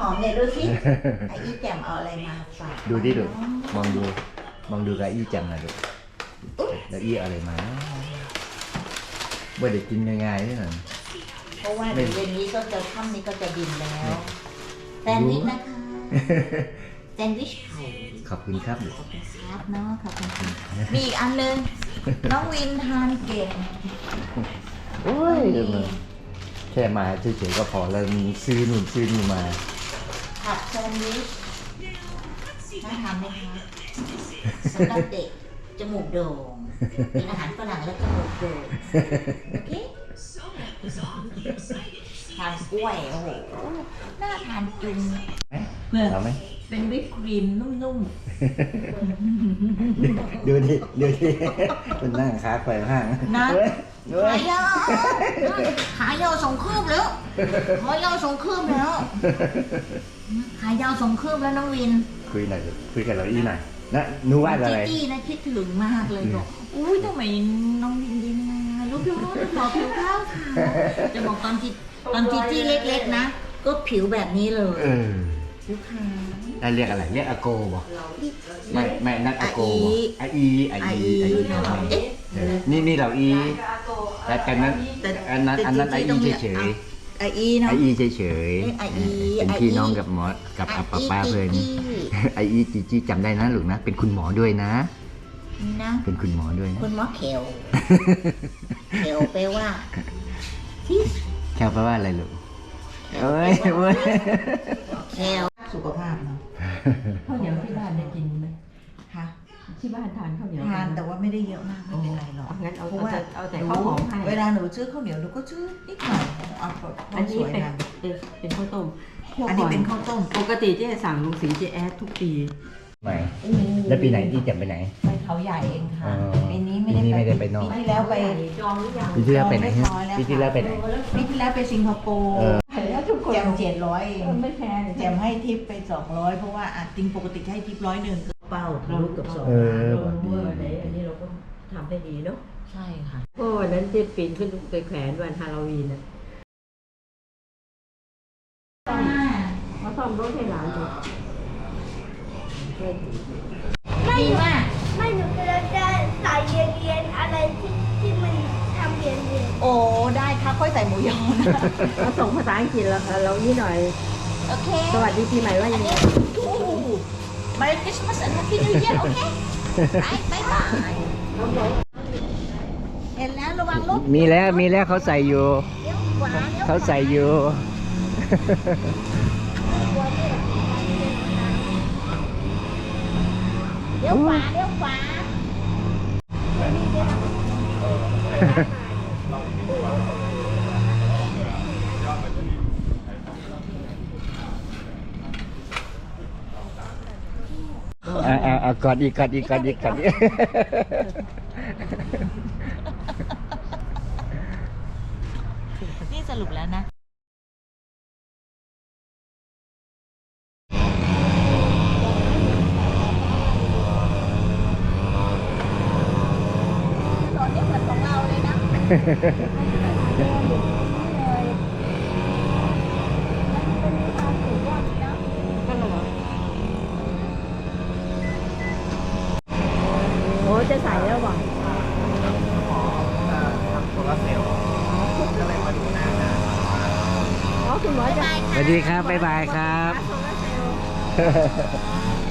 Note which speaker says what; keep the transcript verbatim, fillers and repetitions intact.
Speaker 1: อมเนี่ยดูสิไอ้อีแจ่มเอาอะไรมาฝาก
Speaker 2: ดูดิดูมองดูมองดูกับอี้จังนะดูแล้วอี้อะไรมาไม่ได้กินง่ายๆนี่หน่อย
Speaker 1: เพราะว่าเดี๋ยวเย็นนี้ก็จะค่ำนี้ก็จะบินแล้วแซนด์วิชนะคะแซนด์วิชไข่
Speaker 2: ขอบคุณครับ
Speaker 1: ขอบคุณครับเนาะขอบคุณครับมีอีกอันนึงน้องวินทานเก่ง
Speaker 2: โอ้ยแค่มาเฉยๆก็พอแล้วซื้อนู่นซื้อนี่มา
Speaker 1: ผัดแซนด์วิชน่าทานไหมคะสำหรับเด็กจมูกโด่งเป็นอาหารฝรั่งแล้วจมูกโด่งโอเคทานกล้วยโอ้โหน่าทานจุงเพื่อ
Speaker 2: เอาไหม
Speaker 1: เป็นวิปครีมนุ่ม
Speaker 2: ดูดิดูดิมันนั่งขาแขว่งห้าง
Speaker 1: ๆนะ
Speaker 2: เฮ้ยเฮ้
Speaker 1: ขาย ยาวขายาวสองคืบแล้วขายาวสองคืบแล้วขายาวสองคืบแล้วน้องวิน
Speaker 2: คุยหน่อยดิคุยกับเราอี้หน่อยนะหนูว่าอะไร
Speaker 1: จี้ๆนะคิดถึงมากเลยบอกอุ้ยทำไมน้องวินดีนะลูกพี่ว่าขอผิวขาวค่ะจะบอกตอนจีตอนจีจี้เล็กๆนะก็ผิวแบบนี้เลย
Speaker 2: เออ
Speaker 1: ผิวขาว
Speaker 2: ได้เรียกอะไรเรียกอาโกบอกไม่ไม่นั่นอาโกบอกอาอีอาอีอาอีเออนี่นี่เราอีแต่แต่นั้นอันนั้นอันนั้นอาอีเฉย
Speaker 1: ไออี
Speaker 2: ๆ
Speaker 1: เนาะ
Speaker 2: อาอีเฉย
Speaker 1: เรียกอาอี
Speaker 2: ๆเป็นพี่น้องกับหมอกับอาป้าป้าเพื่อนอาอีจีจีจำได้นะลูกนะเป็นคุณหมอด้วยนะ
Speaker 1: นะ
Speaker 2: เป็นคุณหมอด้วยนะ
Speaker 1: คุณหมอเขวเขวแปลว่าที่
Speaker 2: แค่แปลว่าอะไรลูกเอ้ยเว้ย
Speaker 1: เขวสุขภาพเนาะ
Speaker 3: ข้าวเหนียวที่บ้านได้กินไหม
Speaker 1: ค่ะ
Speaker 3: ที่บ้านทานข้าวเหนียว
Speaker 1: ทานแต่ว่าไม่ได้เยอะมากไม่เป็นไรหรอก
Speaker 3: งั้นเอา
Speaker 1: เพราะว่า
Speaker 3: เอาแต่
Speaker 1: หนู
Speaker 3: ข้าวหอมให้
Speaker 1: เวลาหนูซื้อข้าวเหนียวหนูก็ซื้อนิดหน่อยเอาพอ
Speaker 3: อัน
Speaker 1: ส
Speaker 3: นี้
Speaker 1: วย
Speaker 3: เป็น
Speaker 1: งาม
Speaker 3: เป็นเป็นข้าวต้ม
Speaker 1: อันนี้เป็นข้าวต้ม
Speaker 3: ปกติเจ๊สั่งลุงสีเจ๊แอดทุกปี
Speaker 2: ไม่แล้วปีไหนที่จะไปไหน
Speaker 1: ไปเขาใหญ่เองค่ะ
Speaker 2: อ๋อ
Speaker 1: ปีนี้ไม่
Speaker 2: ปีนี้ไม่ได้ไปนอก
Speaker 1: ปีที่แล้วไป
Speaker 3: จองหรือยัง
Speaker 2: ปีที่แล้วไปไหน
Speaker 1: เรียบร้อยแล้ว
Speaker 2: ปีที่แล้วไปไหน
Speaker 1: ปีที่แล้วไปสิงคโปร์
Speaker 2: เออ
Speaker 3: แล้วทุกคน
Speaker 1: แจมเจ็ดร้อยเอง
Speaker 3: ไม่แพง
Speaker 1: แจมให้ทิปไปสองร้อยเพราะว่าอ่ะจริงปกติให้ทิปร้อยหนึ่งเป้าทะลุเกับสอง
Speaker 2: เออ
Speaker 3: เอออันนี้อันนี้เราก็ทำได้ดีเนาะ
Speaker 1: ใช่ค่ะ
Speaker 3: เพราะวันนั้นเจ๊ปีนขึ้นไปแขวนวันฮาโลวีนน่ะเขาซ่อมรถให้หลานดู
Speaker 1: ดีมาก
Speaker 4: ไม่หนูกำลังจะใส่เรียนๆอะไรที่ที่มันทำเรียนเรียน
Speaker 1: โอ้ได้ค่ะค่อยใส่หมูยอนะ
Speaker 3: มาส่งภาษาอังกฤษแล้วเรานี่หน่อย
Speaker 1: โอเค
Speaker 3: สวัสดีปีใหม่ว่ายังไง
Speaker 1: ทูมาริคริสต์มาสและแฮปปี้นิวเยียร์โอเคไปบายบายเห็นแล้วระวังรถ
Speaker 2: มีแล้วมีแล้วเขาใส่อยู่
Speaker 1: เลี้ยวขวาเลี้ยว
Speaker 2: เขาใส่อยู่
Speaker 1: เลี้ยวขวาเลี้ยวขวา
Speaker 2: อ่าอ่ากอดอีกกอดอีกกอดอีกกอดอีก
Speaker 1: นี่สรุปแล้วนะรถนี่เหมือนของเราเลยนะ
Speaker 3: โอ้จะใส่แล้วบ่
Speaker 5: โซลาร์เซลล์ก็เลยมาดูหน้างาน
Speaker 3: อ๋อคุณหมอจะ
Speaker 2: สวัสดีครับบ๊ายบายครับ
Speaker 3: โซลาร์เซลล์